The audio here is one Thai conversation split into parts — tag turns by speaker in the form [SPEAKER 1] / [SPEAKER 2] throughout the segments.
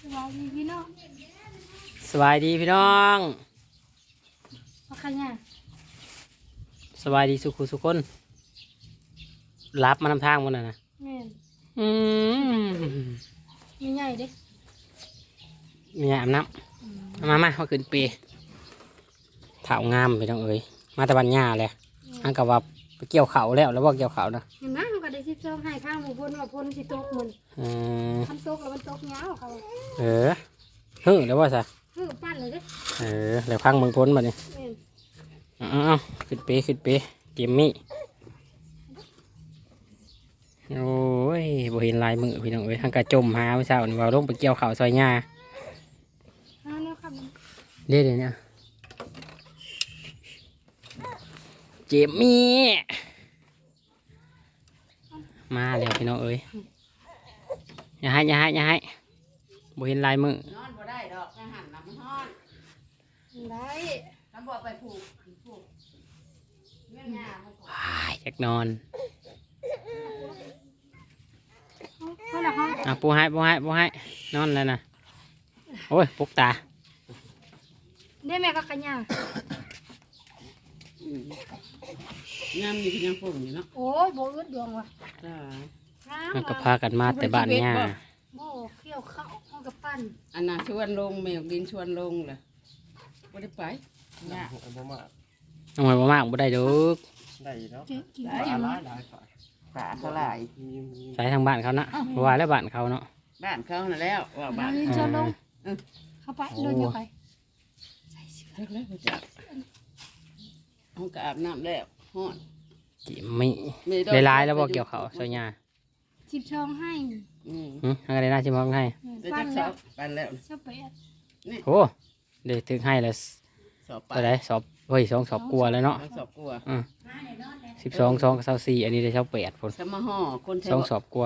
[SPEAKER 1] สบายดีพี่น้อง
[SPEAKER 2] สบายดีพี่น้อง
[SPEAKER 1] ว่าใครเนี่ย
[SPEAKER 2] สบายดีสุขุสุคนรับมานำทางมันนะ
[SPEAKER 1] แม่น
[SPEAKER 2] อืม
[SPEAKER 1] มีใหญ่เด้
[SPEAKER 2] มีอาบน้ำมาขึ้นปีเถางามพี่น้องเอ้ยมาตะวันหญ้าเลยอันกับว่าไปเกี่ยวเขาแล้วว่าเกี่ยวเขานะ
[SPEAKER 1] เห็นไหมมันก็ได้ซิบซ้อมให้ข้างหมู่พ้นว่าพ้นสิตกมัน
[SPEAKER 2] อืม
[SPEAKER 1] ทำตกแล้วมันตกเงาเขา
[SPEAKER 2] ฮึแล้วว่าซะ
[SPEAKER 1] ปั้นเลยเด้
[SPEAKER 2] แล้วพังมึงพ้นมาเนี่ย
[SPEAKER 1] แม่น
[SPEAKER 2] เอาขึ้นปีเกมมี่โอ้ยบ่เห็นลายมือพี่น้องเอ้ยทางกระจมหาเช้านี่ว่าลงไปเกี่ยวเขาซอยหญ้า
[SPEAKER 1] เอาแนวคำนั้น
[SPEAKER 2] เดี๋ยวเนี่ยเจมมี่มาแล้วพี่น้องเอ้ยอย่าให้บ่เห็นลายมือน
[SPEAKER 3] อนบ่ได้ดอกอาหารน้ำมันฮ้อน
[SPEAKER 1] ได้
[SPEAKER 3] น้ำบ่ไปผูกเงี้ยง่ามันก็
[SPEAKER 2] ว้ายอยากนอน
[SPEAKER 1] เพื่อนเขา
[SPEAKER 2] ปูให้นอนแล้วนะโอ้ยปุกตา
[SPEAKER 1] ได้แม่ก็ขยัน
[SPEAKER 3] ยามนี่คือยังฝุ่นอยู่เนาะ
[SPEAKER 1] โอ้ยโบอึดดวงว่ะ
[SPEAKER 3] จ้า
[SPEAKER 2] มันก็พากันมาแต่บ้านเนี่ย
[SPEAKER 1] โบเขี้ยวเข้าห้องกับปั้น
[SPEAKER 3] อันน่ะชวนลงแมวดินชวนลงเลยบ่ได้ไปง่า
[SPEAKER 2] น้องหอยบ่มากบ่ได้ดอก
[SPEAKER 4] ได้เนาะ
[SPEAKER 1] กิน
[SPEAKER 4] ปลา
[SPEAKER 1] กิน
[SPEAKER 4] หลายหลายฝ่าย
[SPEAKER 3] ปลาเท่าไหร่
[SPEAKER 2] ใช้ทางบ้านเขานะเพราะว่าแล้วบ้านเขาเนาะ
[SPEAKER 3] บ้านเขาน่ะแล้วว่าบ้าน
[SPEAKER 1] ยืนชนลงเข้าไปโดนเดียวไป
[SPEAKER 3] เลิกแล้วจ้ะห้องก็อาบน้ำแล้วฮ้อน
[SPEAKER 2] เจมมี่ได้ลายแล้วบ่เกี่ยวเขาซอยหญ้า
[SPEAKER 1] ชิบช่องให้
[SPEAKER 2] อะไรน่าชิมองให้
[SPEAKER 3] ได้
[SPEAKER 1] ปั้
[SPEAKER 3] จั
[SPEAKER 1] น
[SPEAKER 3] กส
[SPEAKER 1] แล้
[SPEAKER 3] อ
[SPEAKER 1] ว
[SPEAKER 3] บปันแล้ว
[SPEAKER 1] เจ้าเป็ด
[SPEAKER 2] โอ้เดี๋ยวถึงให้แล้ว
[SPEAKER 3] สอบ
[SPEAKER 2] ตัวไหนสอบเฮ้ย2 สอบกลัวแล้วเนาะ
[SPEAKER 3] สอบกลัว
[SPEAKER 2] 12 2 24อันนี้ได้เท่า8คน
[SPEAKER 3] สมาห่อคนแถว
[SPEAKER 2] 2 สอบกลั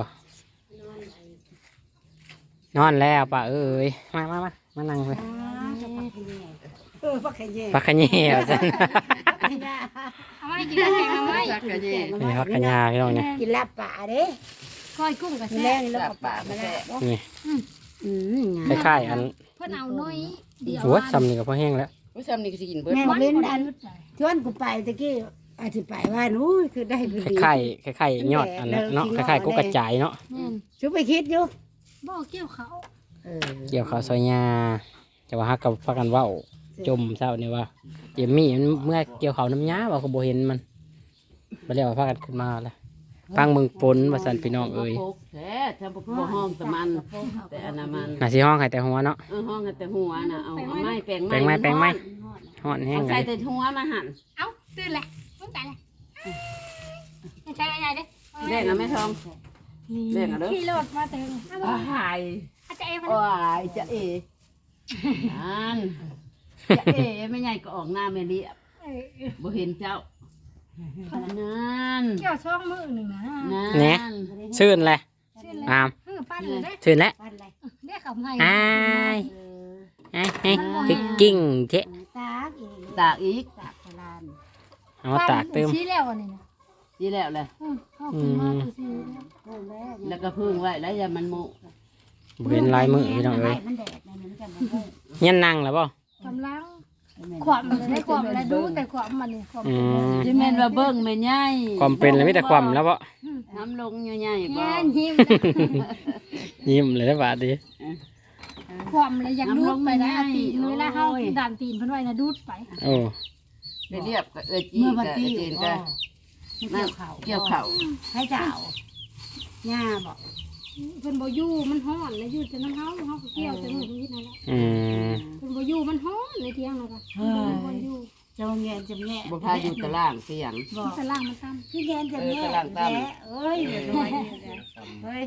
[SPEAKER 2] วนอนแล้วป่ะเอ้ยมานั่งเลย
[SPEAKER 3] ปักแค่แย่
[SPEAKER 2] พักขะแย่จัง
[SPEAKER 1] เอาไว้กินแล้วแกงเอาไว้
[SPEAKER 3] ปักแค่แย่
[SPEAKER 2] นี่พักขะแย่พี่น้องเนี่ย
[SPEAKER 5] กินลาบป่าเด้
[SPEAKER 1] ก้อยกุ้งกับ
[SPEAKER 5] มื้อ
[SPEAKER 1] แซ่
[SPEAKER 5] แรกนี่เรา
[SPEAKER 3] ลา
[SPEAKER 5] ก็
[SPEAKER 3] บ
[SPEAKER 5] ป่า
[SPEAKER 3] ปาก
[SPEAKER 5] มา
[SPEAKER 3] มา
[SPEAKER 5] แล้
[SPEAKER 3] แล้ว ว
[SPEAKER 2] นี่
[SPEAKER 5] งา
[SPEAKER 2] คล้ายๆอัน
[SPEAKER 1] เพื่อนเอาน้อยเดียว
[SPEAKER 2] โอ้ยซ้ำนี่ก็พอแห้งแล้ว
[SPEAKER 3] ผู้ชมนี่ก็สิกินเบิด
[SPEAKER 5] แม่
[SPEAKER 1] มัน
[SPEAKER 5] เล่น
[SPEAKER 1] บ่
[SPEAKER 5] ดั
[SPEAKER 1] ได้
[SPEAKER 5] น
[SPEAKER 1] ยุดใจ
[SPEAKER 5] ชวนกูไปตะกี้อาจสิไปว่านู้ยคือได้พอ
[SPEAKER 2] ค
[SPEAKER 5] ดี
[SPEAKER 2] ล้ายๆยอดอันนั้นเนาะคล้ายๆกุ๊กกระจายเนาะ
[SPEAKER 1] แม่น
[SPEAKER 5] ชุบไปคิดอยู่
[SPEAKER 1] บ่เกี่ยวเขา
[SPEAKER 2] เกี่ยวข้าวซอยหญ้าจะว่าฮักกับพักกันเว้าจมเช้านี่ว่าเจมมี่มันเมื่อเกี่ยวข้าวน้ำหญ้าว่าเขาบ่เห็นมันบ่แล้วพากันขึ้นมาแล้วฟังมึงฝนว่าซั่นพี่น้องเอ้ย
[SPEAKER 3] แท้ถ้าบ่ห้องแต่มัน แต่อันนั้นมัน
[SPEAKER 2] น่าสิห้องให้แต่หัวเนาะ
[SPEAKER 3] ห้องแต่หัวน่ะเอาไม้แปลง
[SPEAKER 2] แปลงไม้ฮ้อนแห้ง
[SPEAKER 3] ใส่
[SPEAKER 2] เลย
[SPEAKER 3] แต่หัวมาหั่น
[SPEAKER 1] เอ้าตื่นเลยมึงแต่เลยไม่ใช่อะไรเด้
[SPEAKER 3] แบ่งเอาแม่ทอง เล่นเอาเด้อ
[SPEAKER 1] ขี่รถมาถึง
[SPEAKER 3] หาย
[SPEAKER 1] อาจจะเอฟ
[SPEAKER 3] โอ้ยจะเออันจะเอไม่ใหญ่ก็ออกหน้าแม่เรียบบ่เห็นเจ้านั่น
[SPEAKER 1] เกี่ยวช่องมือหนึ่งนะ
[SPEAKER 3] นั่น
[SPEAKER 2] ชื่นเลย
[SPEAKER 1] ชื่อเลย
[SPEAKER 2] อาม
[SPEAKER 1] ปั้นเลยเด้
[SPEAKER 2] ชื่นแล้ว
[SPEAKER 5] ปันอะไร
[SPEAKER 1] เรียกเขาไง
[SPEAKER 2] อ้ายพริกกิ้งเทะ
[SPEAKER 5] ตากอีก
[SPEAKER 3] ตากอีก
[SPEAKER 5] ตากโบราณ
[SPEAKER 2] เอามาตากเติม
[SPEAKER 1] ชี้แล้วอันนี้นะ
[SPEAKER 3] นี่แล้วเลย
[SPEAKER 1] เข้าขึ้นมาคือสิ
[SPEAKER 5] เพิ่มแล้ว
[SPEAKER 3] แล้วก็พึ่งไว้แล้วอย่ามันโม
[SPEAKER 2] บ่เห็นลายมือพี่น้องเอ้ย
[SPEAKER 5] มันแดดมันจะมันเพิ่ม
[SPEAKER 2] เงี้ยนั่งแล้วบ่
[SPEAKER 1] กำลังขวบมันได้ขวบแล้วดูแต่ขวบมันนี่ขวบ
[SPEAKER 2] อืม
[SPEAKER 3] ที่แม่นว่าเบิ่งแม่ใหญ่
[SPEAKER 2] ความเป็นเลยมีแต่ความแล้วบ่
[SPEAKER 3] น้ำลงใหญ่ๆบ่
[SPEAKER 1] แง่ยิ้ม
[SPEAKER 2] ยิ้มเลยนะบาดดี
[SPEAKER 1] ขวบเลยอยากดูดไปนะตีนเวลาเข้าด่านตีนเพิ่นไว้นะดูดไป
[SPEAKER 2] โอ้
[SPEAKER 3] ได้เรียบก็จี
[SPEAKER 5] เมื่อวัน
[SPEAKER 3] ก็
[SPEAKER 5] ที่
[SPEAKER 3] จีน
[SPEAKER 5] ก็
[SPEAKER 3] ก็
[SPEAKER 5] เกี่ยวเข่า
[SPEAKER 3] เกี่ยวเข่า
[SPEAKER 5] ให้เจ้าหญ้าบอก
[SPEAKER 1] เพิ่นบ่อยู่มันฮ้อนแล้วอยู่แต่น้ำเฮาเฮาก็เกี่ยวแต่มื้อนี้นั่นแหละ
[SPEAKER 2] อืม
[SPEAKER 1] เพิ่นบ่อยู่มันฮ้อนในเที่ยงแล้วก็บ่อยู่
[SPEAKER 5] จะแงนจะแง่
[SPEAKER 3] บ่พาอยู่ตารางเสียง
[SPEAKER 5] บอ
[SPEAKER 1] มัน
[SPEAKER 5] ก
[SPEAKER 1] สล่างมันซ้ำ
[SPEAKER 5] พี่แงนจะแง่เอ้ยน้อยเฮ้ย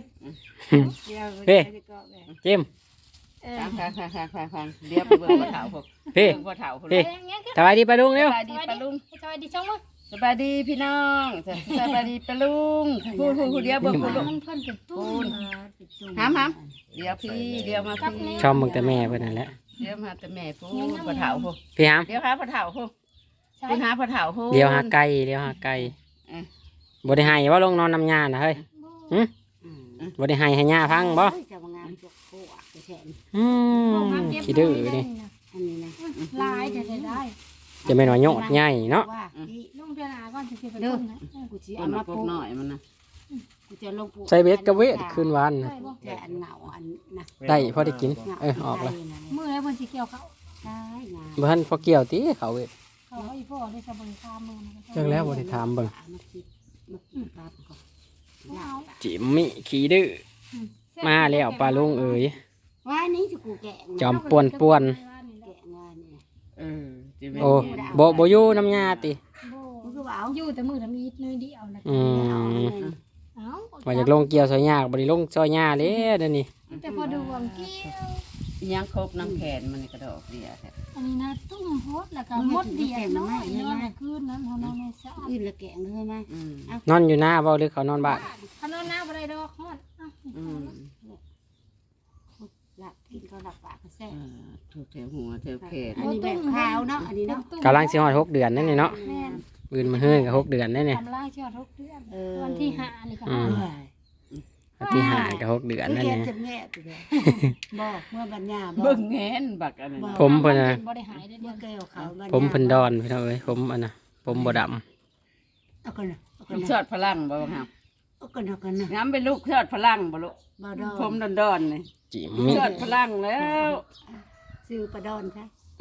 [SPEAKER 2] จิ้ม
[SPEAKER 3] ฟังเดี๋ยวไปเบิ่งพ่อเฒ่าพวก
[SPEAKER 2] พี่
[SPEAKER 3] เบิ่งพ่อเฒ่าพวก
[SPEAKER 2] พี่
[SPEAKER 1] อย่างเงี้ย
[SPEAKER 2] สบายดีปะลุง
[SPEAKER 3] ส
[SPEAKER 2] เร็ว
[SPEAKER 3] บายดีปะลุง
[SPEAKER 1] สวัสดีช่องว่า
[SPEAKER 3] สบายดีพี่น้องสบายดีปะลุงพูดเดียวเบิ่งพูดลูก
[SPEAKER 1] มันเพิ่นเป็นตู้
[SPEAKER 3] หามเดี๋ยวพี่เดี๋ยวมาพี่
[SPEAKER 2] ชอบมึงแต่แม่เพื่อนนั่นแหละ
[SPEAKER 3] เดี๋ยวมาแต่แม่พูดพ่อเฒ่าพูด
[SPEAKER 2] พี่หาม
[SPEAKER 3] เดี๋ยวหาพ่อเฒ่าพูดคุณหาพ่อเฒ่าพูด
[SPEAKER 2] เดี๋ยวหาไก่เดี๋ยวหาไก่บ่ได้ให้ว่าลงนอนน้ำยาน่ะเฮ้ยบ่ได้ให้ย่าพังบ่
[SPEAKER 5] จะมางานจกโคกแขน
[SPEAKER 2] อืม
[SPEAKER 1] พวกน้ำเก็บ
[SPEAKER 2] ขี้ดื้อ
[SPEAKER 1] ไว้ได้
[SPEAKER 2] นี่
[SPEAKER 1] นะ
[SPEAKER 3] อันนี้นะ
[SPEAKER 1] ลายจะได้
[SPEAKER 2] จะไม่น้อยโยดใหญ่เนาะ
[SPEAKER 3] ว่าที่
[SPEAKER 1] ลุงเดือนหน้าก่อนจะสิไปต้นนะ
[SPEAKER 3] กูสิเอาเอา มามาปปลูลู กกหน่อยมันนะกูจะลงปลูก
[SPEAKER 2] ใส่เวทกับเวทคืนวานน่ะ
[SPEAKER 1] ได้บ่
[SPEAKER 3] แต่อันเหงาอันนะ
[SPEAKER 2] ได้พอได้กินออกแล้ว
[SPEAKER 1] มื้อแล้วเพิ่นสิเกี่ยวเขา
[SPEAKER 3] ได้งา
[SPEAKER 2] บ่ทันพอเกี่ยวติเขาเวท
[SPEAKER 1] เขาอีพ่อได้สบริการมื้อนะ
[SPEAKER 2] จังแล้วบ่ได้ถามเบิ่ง
[SPEAKER 3] มาคิดมาตัดก่อน
[SPEAKER 1] เอา
[SPEAKER 2] จิมมี่ขี้ดื้อมาแล้วปลาลุงเอ๋ย
[SPEAKER 3] ว่านี่จะกูแกะ
[SPEAKER 2] จอมป่วน
[SPEAKER 3] แกะงานเนี่ย
[SPEAKER 2] โอ้บ่อยู่น้ำยาติ
[SPEAKER 3] มึงก็ว่าเอา
[SPEAKER 1] อยู่แต่มือทำอีทน้อยเดียวนะ
[SPEAKER 2] อืม
[SPEAKER 1] เอ้า
[SPEAKER 2] ว่าจากลงเกี่ยวซอยยากบ่ได้ลงซอยยาเลยเดี๋ยวนี้
[SPEAKER 1] แต่พอดูวงเกี่ยว
[SPEAKER 3] ยังครบน้ำแขนมันกระดอกเดียวแท้
[SPEAKER 1] อันนี้นะตุ้มโพดแล้วก็มดเดียดน้อยนอนคืนนั้นเท่านั้นในสะอาด
[SPEAKER 3] อื่นละแกะเลยไหม
[SPEAKER 2] นอนอยู่หน้าบ่หรือเขานอนบ้าน
[SPEAKER 1] ขนมน้าบ่ได้ดอกฮอดเอ้า
[SPEAKER 3] หลับกินก็หลับปากก็แซ่บถูกแถวหัวแถวแขน
[SPEAKER 1] อันนี้แบบขาวเนาะอันนี้เนาะ
[SPEAKER 2] กำลังสิฮอด6 เดือนนั่นนี่เนาะ
[SPEAKER 1] แม่น
[SPEAKER 2] ปืนมาเฮือนก็6 เดือนนั่นนี่
[SPEAKER 1] ทำล่างชอดทุกเดือนวันที่5นี่ก็
[SPEAKER 2] อืม วันที่5ก็6 เดือนนั่น
[SPEAKER 3] แก
[SPEAKER 2] นี่
[SPEAKER 3] จะแง่ตัวเดียวบอกเมื่อบัญญาบอก
[SPEAKER 5] เบิ่งแงนบักอันนั้น
[SPEAKER 2] ผมเพิ่นน่ะ
[SPEAKER 1] บ่ได้หายได้เดื
[SPEAKER 3] เมื่
[SPEAKER 1] อ
[SPEAKER 3] อน แก้วเขาบัญญา
[SPEAKER 2] ผมเพิ่นดอนพี่น้องเอ้ยผมอันน่ะผมบ่ดำ
[SPEAKER 3] เอากันนะเอากัน
[SPEAKER 5] ลูก
[SPEAKER 3] นะ
[SPEAKER 5] ชอดพลังบ่ครับ
[SPEAKER 3] เอากันเอากันนะ
[SPEAKER 5] น้ำเป็นลูกชอดพลังบ่ลูก
[SPEAKER 3] บ่ดอน
[SPEAKER 5] ผมดอนๆนี่
[SPEAKER 2] จิมมี่
[SPEAKER 5] ชอดพลังแล้ว
[SPEAKER 3] ซื้อปลาดอนใช่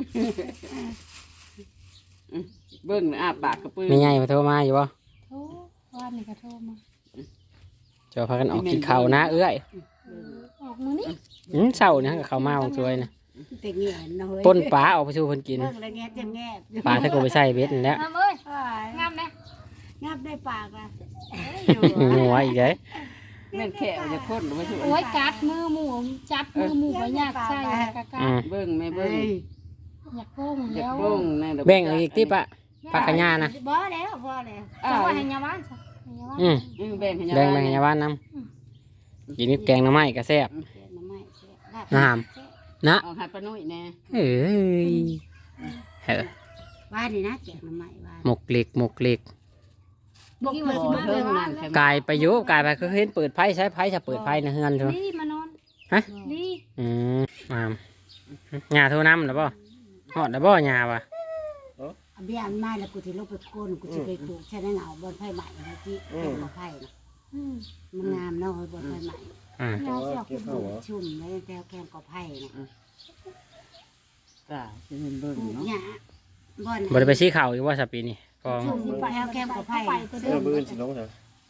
[SPEAKER 5] เบิ่งอ้าปากกระปือ
[SPEAKER 2] มีใหญ่มาโทรมาอยู่บ่
[SPEAKER 1] โทรวันนี้ก็โทรมา
[SPEAKER 2] จะพากันออกกินข้าวนะเอ้ย
[SPEAKER 1] ออกมื้อนี้
[SPEAKER 2] เช้านี่ก็เข้ามาของช่วยนะ
[SPEAKER 3] แต่แง่นะเฮ้ย
[SPEAKER 2] ป่นปลาออกไปสู่เพิ่นกิน
[SPEAKER 3] เบิ่งแล้วแง่จะแง่
[SPEAKER 2] ปลาถ้ากูไปใส่เบ็ดนั่นแหล้ว
[SPEAKER 1] งามเอ้ยงามแน่
[SPEAKER 3] งับได้ปากอ่ะ
[SPEAKER 2] หัวอีกเด้
[SPEAKER 5] แม่นแค่จะคนบ่ถูก
[SPEAKER 1] โอ้ยกัดมือหมูจับมือหมูก็อยากใส่กะกะ
[SPEAKER 2] อืม
[SPEAKER 5] เบิ่งแม่เบิ่ง
[SPEAKER 1] อยากโป้ง
[SPEAKER 5] อยา
[SPEAKER 1] แล้
[SPEAKER 5] ก
[SPEAKER 1] ว
[SPEAKER 5] เบิ่งในดอก
[SPEAKER 2] แบ่งเอาอีกติปะผักกะหญ้านะ
[SPEAKER 3] บ่แล้วบ่แล้ว
[SPEAKER 1] จะว่าให้ยาบ้านซะให้ยาบ้าน
[SPEAKER 2] อืม
[SPEAKER 5] แบ่งให้
[SPEAKER 2] แบ่งไปให้ยาบ้านนำกินกับแกงหน่อไม้ก็แซ่บ
[SPEAKER 3] น้ำไม้แซ่บ
[SPEAKER 2] งาม นะ
[SPEAKER 5] เอาให้ป้านุ่ยแน่
[SPEAKER 2] เอ้ยเฮ้อ
[SPEAKER 3] ว่านี่นะแกะน้ำไม้ว่า
[SPEAKER 2] หมกเหล็กหมกเหล็ก
[SPEAKER 1] บอกว่าสิมาเลยว่าก
[SPEAKER 2] ายไปอยู่กายไปคือเห็นเปิดไพ่ใช้ไพ่จะเปิดไพ่ในเฮือนใช่ไหม
[SPEAKER 1] ลี่มานอน
[SPEAKER 2] ฮะ
[SPEAKER 1] ลี่
[SPEAKER 2] งามหญ้าโทรน้ำหรือเปล่าฮอดหรือเปล่าหญ้าวะ
[SPEAKER 3] เบี้ยอันไม้แล้วกูสิลงไปโคนกูสิไปปลูกใช่ไหมเหงาบนไผ่ใหม่เมื่อกี้เป็นบ่อไผ่นะมันงามเนาะบนไผ่ใหม่
[SPEAKER 2] อ่า
[SPEAKER 1] ยาเสียคุณ
[SPEAKER 3] ชุ่มแล้วแถวแคมกอไผ่นะ
[SPEAKER 5] ตาสิเห็นเบิ่ง
[SPEAKER 3] ปลูก
[SPEAKER 5] เนาะ
[SPEAKER 3] หญ้าบ่อน
[SPEAKER 2] บริไปชี้เข่าอีกว่าสัปปีนี่พอ
[SPEAKER 3] ชุ่มแถวแคมกอไผ่
[SPEAKER 4] เสื้อบื้นสิน้องเถอะ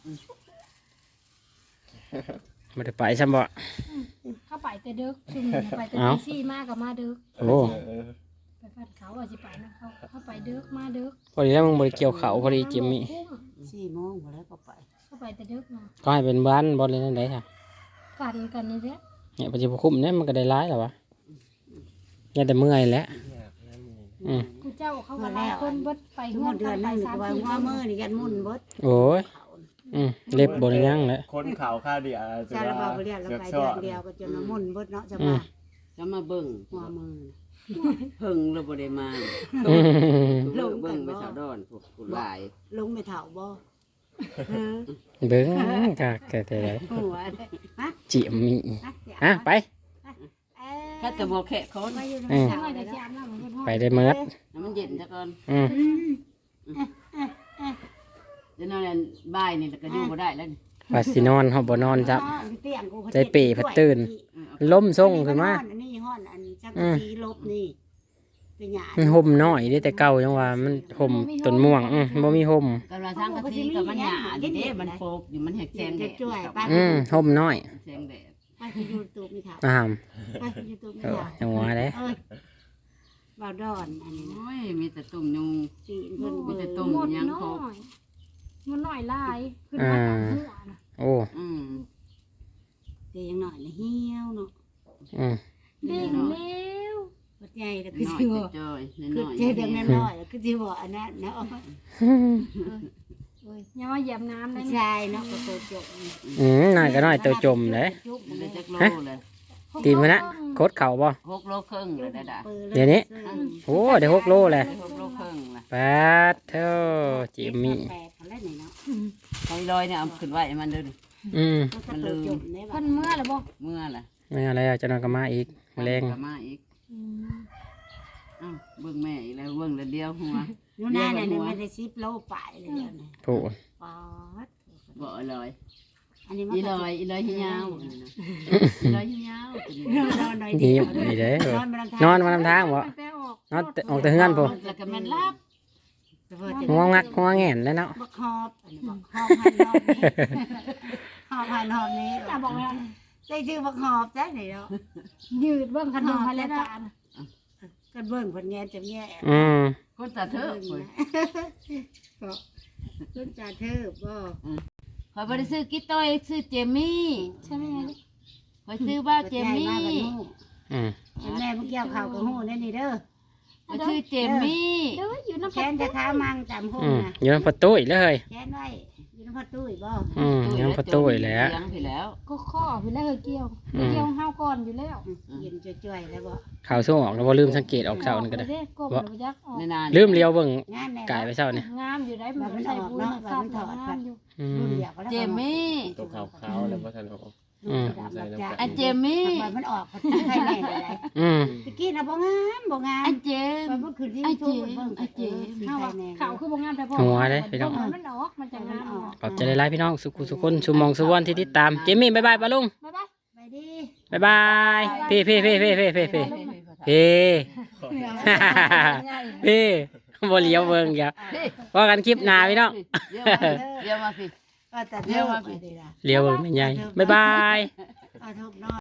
[SPEAKER 2] บริไปซ้ำบ่
[SPEAKER 1] เข้าไปแต่ดึกชุมไปแต่ตีซี่มากกับมาดึก
[SPEAKER 2] โอ้
[SPEAKER 1] ไปพัดเขาว่าสิไปนะเข้าไปดึกมาดึก
[SPEAKER 2] พอดีแล้วมึงบริเกี่ยวเขาพอดีเจมมี่
[SPEAKER 3] 4 โมงพอแล้วก็ไป
[SPEAKER 1] เข้าไปแต่ดึกนะ
[SPEAKER 2] ก็ให้เป็นบ้านบอลเลยนั่นได้ค่ะ
[SPEAKER 1] กันนี่แหละ
[SPEAKER 2] เนี่ยปัจจุบันคุ้มเนี่ยมันก็ได้ร้ายแล้ววะยังแต่เมื่อยแล้วอืม
[SPEAKER 1] กูเจ้าเขาก็ได้คนเบิดไป
[SPEAKER 3] ทุก
[SPEAKER 1] ห้อง
[SPEAKER 3] เดือนนึงก็ว่าหัวมือนี่ยันมุ่นเบิด
[SPEAKER 2] โอ้ยเล็บบนยังแล้ว
[SPEAKER 4] คนข่าวข้าวเดียว
[SPEAKER 3] ซาลาบาบ่เรียกเราไปเดือนเดียวก็จนมุ่นเบิดเนาะจะมา
[SPEAKER 5] จะมาเบิ่ง
[SPEAKER 3] หัวมือ
[SPEAKER 5] เพิ่งเราบ่ได้มา
[SPEAKER 2] อืม
[SPEAKER 5] เบิ่งไปสาวดอนพวกผู้หลาย
[SPEAKER 3] ลงไม่เฒ่าบ่
[SPEAKER 2] เบิ้งกะแกแต่ไร
[SPEAKER 3] หัวเลยฮะ
[SPEAKER 2] เจียมมีอ่ะไป
[SPEAKER 5] ถ้าจะบ่แค่คน
[SPEAKER 3] ไปอยู่ใน
[SPEAKER 2] อืม
[SPEAKER 3] เฒ่า
[SPEAKER 1] ไม่
[SPEAKER 3] เล
[SPEAKER 1] ได้
[SPEAKER 3] ย
[SPEAKER 1] สิอาบน้ำมัน
[SPEAKER 2] ไปได้เมิด
[SPEAKER 5] น้ำมันเย็นซะก่อน
[SPEAKER 2] อืม
[SPEAKER 5] เดี๋ยวนั้นบ่ายนี่ก็อยู่บ่ได้แล้วนี่
[SPEAKER 2] ว่าสินอนเฮาบ่นอนจ้ะ
[SPEAKER 3] เตียงกู
[SPEAKER 2] ใจเป๋พัดตื่น ล้มส่งขึ้นมา
[SPEAKER 3] อันนี้ห้อนอันจักสีลบนี่เป็นหยา
[SPEAKER 2] มันห่มน้อยเด้แต่เก่าจังว่ามันห่มต้นม่วงบ่มีห่ม
[SPEAKER 5] กำลังสร้างกะทิกับมันหยาดิเด้มันโปกอยู่มันแหกแสงแดด
[SPEAKER 3] ช่วยไป
[SPEAKER 2] ห่มน้อย
[SPEAKER 5] แสงแดด
[SPEAKER 3] ไปยูทูบไม่ถาม
[SPEAKER 2] อ้าว
[SPEAKER 3] ไปยูทูบไม่
[SPEAKER 2] เออ
[SPEAKER 3] ถาม
[SPEAKER 2] จังหวะเด้
[SPEAKER 3] เอ้ยบ่าวดอนอันนี้นะ
[SPEAKER 5] โอ้ยมีแต่ตุ่มยุง
[SPEAKER 3] จีนเพิ่น
[SPEAKER 5] มี
[SPEAKER 3] เบิ่
[SPEAKER 5] แต่
[SPEAKER 3] ง
[SPEAKER 5] ตุ่ม
[SPEAKER 1] หมด
[SPEAKER 5] ยัง
[SPEAKER 1] น้
[SPEAKER 5] ครบ
[SPEAKER 1] อยมันน้อยลายขึ้นมาตามหัวนะ
[SPEAKER 2] โอ้
[SPEAKER 5] อืม
[SPEAKER 3] เตียงหน่อยนะเหี่ยวเนาะ
[SPEAKER 2] อืม
[SPEAKER 1] เด้งเร็ว
[SPEAKER 3] รถใหญ่แล้วคือ
[SPEAKER 5] น้อย
[SPEAKER 3] สิ
[SPEAKER 5] แต่
[SPEAKER 3] บ่
[SPEAKER 5] จอย
[SPEAKER 3] คือ
[SPEAKER 5] น้อย
[SPEAKER 3] เจ๊เด็กน้อยๆแล้วคือสิบ่อันนั้นเนาะ
[SPEAKER 1] อย่ามาเหยียบน้ำได้
[SPEAKER 3] ชายเนาะก็ตัวจบ
[SPEAKER 2] น้อยก็น้อยเตัวจมเลย
[SPEAKER 5] ได้จักโลเลย
[SPEAKER 2] ตีมันนะโคตรเข่าบ่
[SPEAKER 5] 6 โลครึ่งเลยได้
[SPEAKER 2] เดี๋ยวนี้ โอ้ได้6 โลเลย
[SPEAKER 5] 6 โลครึ่งละ
[SPEAKER 2] แปดเท่าจิมมี่
[SPEAKER 3] แปดเขาเล่นไหนเนาะ
[SPEAKER 5] เขาลอยเนี่ยเอาขึ้นไว้มันเด้อ
[SPEAKER 3] มันลืม
[SPEAKER 1] เพิ่นเมื่อแล้วบ่
[SPEAKER 3] เมื่อแหละ
[SPEAKER 2] ไม่อะไรอ่ะจะนอนกับมาอีกแมลง
[SPEAKER 3] กลับมาอีกอ้าวเบิ่งแม่อีกแล้วเบิ่งแล้วเดียวหัว
[SPEAKER 5] อยู่หน้าเนี่ยไม่ได้10 โลไปเลยเดี๋ยวนี้
[SPEAKER 2] ผู้
[SPEAKER 5] ปอด
[SPEAKER 3] บ่อร่อย
[SPEAKER 5] อันนี้มัน
[SPEAKER 3] อีลอยอีลอยหิยาวอีลอยหิยาว
[SPEAKER 5] นอนหน่อย
[SPEAKER 2] นี่
[SPEAKER 5] เดียว
[SPEAKER 2] นี่เด้อน
[SPEAKER 5] น
[SPEAKER 2] อ
[SPEAKER 5] อน
[SPEAKER 2] นมาลำทางบ่
[SPEAKER 1] แต่ออก
[SPEAKER 2] นอนออกแต่เฮือนผู้
[SPEAKER 3] แล้วก็แม่นลับ
[SPEAKER 2] หัวงักหัวแง่นแล้วเนาะ
[SPEAKER 5] บักฮอบอันนี้บักฮอบพันฮอบนี้ฮอบพันฮอบนี้
[SPEAKER 1] ตาบอกว่า
[SPEAKER 5] ใส่ชื่อบักฮอบจ้ะนี่เนาะ
[SPEAKER 1] ยืดเบิ่งคันเบิ่งพันแล้วตา
[SPEAKER 5] ก็เบิ่งเพิ่นแง่จะแง่
[SPEAKER 3] คนตาเถอะข่อย
[SPEAKER 5] ต้นจ่าเทิบบ่
[SPEAKER 3] ข่อยบ่ได้ซื้อกิ๊ต้อยซื้อเจมี่
[SPEAKER 1] ใช่ไหมไง
[SPEAKER 3] ข่อยซื้อบ้าเจมี่
[SPEAKER 2] อืม
[SPEAKER 5] แม่เมื่อกี้ข่าวกับหูได้นี่เด้อ
[SPEAKER 3] ข่อยซื้อเจมี่
[SPEAKER 1] เด้ออยู่น้ำ
[SPEAKER 5] แขนจะท้ามังจำหู
[SPEAKER 2] อืม
[SPEAKER 5] นะ
[SPEAKER 2] อยู่ในประตูอีกเลย
[SPEAKER 5] แขนไว้อยู่ในพ่อตุ้ยบ่
[SPEAKER 2] อยู่ในประตูอีกแล้ว
[SPEAKER 3] ยังไปแล้ว
[SPEAKER 1] ก็ข้อไปแล้วเกี่ยวเกี่ยวห้าวก่อนอยู่แล้ว
[SPEAKER 5] เย็นจ่อยๆแล้วบ่
[SPEAKER 2] ข่าวสู้ออกแล้วบ่ลืมสังเกตออกเช้านี่ก็ได้
[SPEAKER 1] ก้มแล้วยักออก
[SPEAKER 3] ในนาน
[SPEAKER 2] ลืมเลี้ยวเบิ่ง
[SPEAKER 5] งานแน่
[SPEAKER 2] กายไปเช้านี่
[SPEAKER 1] งามอยู่ได้มันใส่บุญสับงามอยู่
[SPEAKER 2] อื
[SPEAKER 5] รุ่น
[SPEAKER 2] ม
[SPEAKER 5] เดียวก็แล้ว
[SPEAKER 3] เจมี่
[SPEAKER 4] ตัวขาวๆแล้วบ่ทันออก
[SPEAKER 3] อันเจมี่
[SPEAKER 5] มันออกใครแน่ได้
[SPEAKER 2] อืม
[SPEAKER 5] ตะกี้น่ะบ่งามบ่งาม
[SPEAKER 3] อันเจม
[SPEAKER 5] มันบ่คือที่
[SPEAKER 3] ไอ้
[SPEAKER 5] ทู
[SPEAKER 3] เจ
[SPEAKER 5] เบิ่ง
[SPEAKER 3] ไอ้เจ
[SPEAKER 1] ข้าวขาวคือบ่งามแต่พอมันออกมันจะงามออก
[SPEAKER 2] ขอบใจหลายๆพี่น้องสุขุสุคนสุมองสุวรรณที่ติดตามเจมี่บ๊ายบายป้าลุง
[SPEAKER 1] บ๊ายบาย
[SPEAKER 5] ไปดิ
[SPEAKER 2] บ๊ายบายพี่พี่พี่พี่พี่พี่พี่พี่บ่เลี้ยวเบิ่งอย่าว่ากันคลิปหน้าพี่น้อง
[SPEAKER 3] เดี๋ยวมาพี่
[SPEAKER 5] ก็แต่เที่ยวไปดิล่ะ
[SPEAKER 2] เลี้ยวเบิ่งไม่ใหญ่บ๊ายบาย
[SPEAKER 5] ทุกน้อย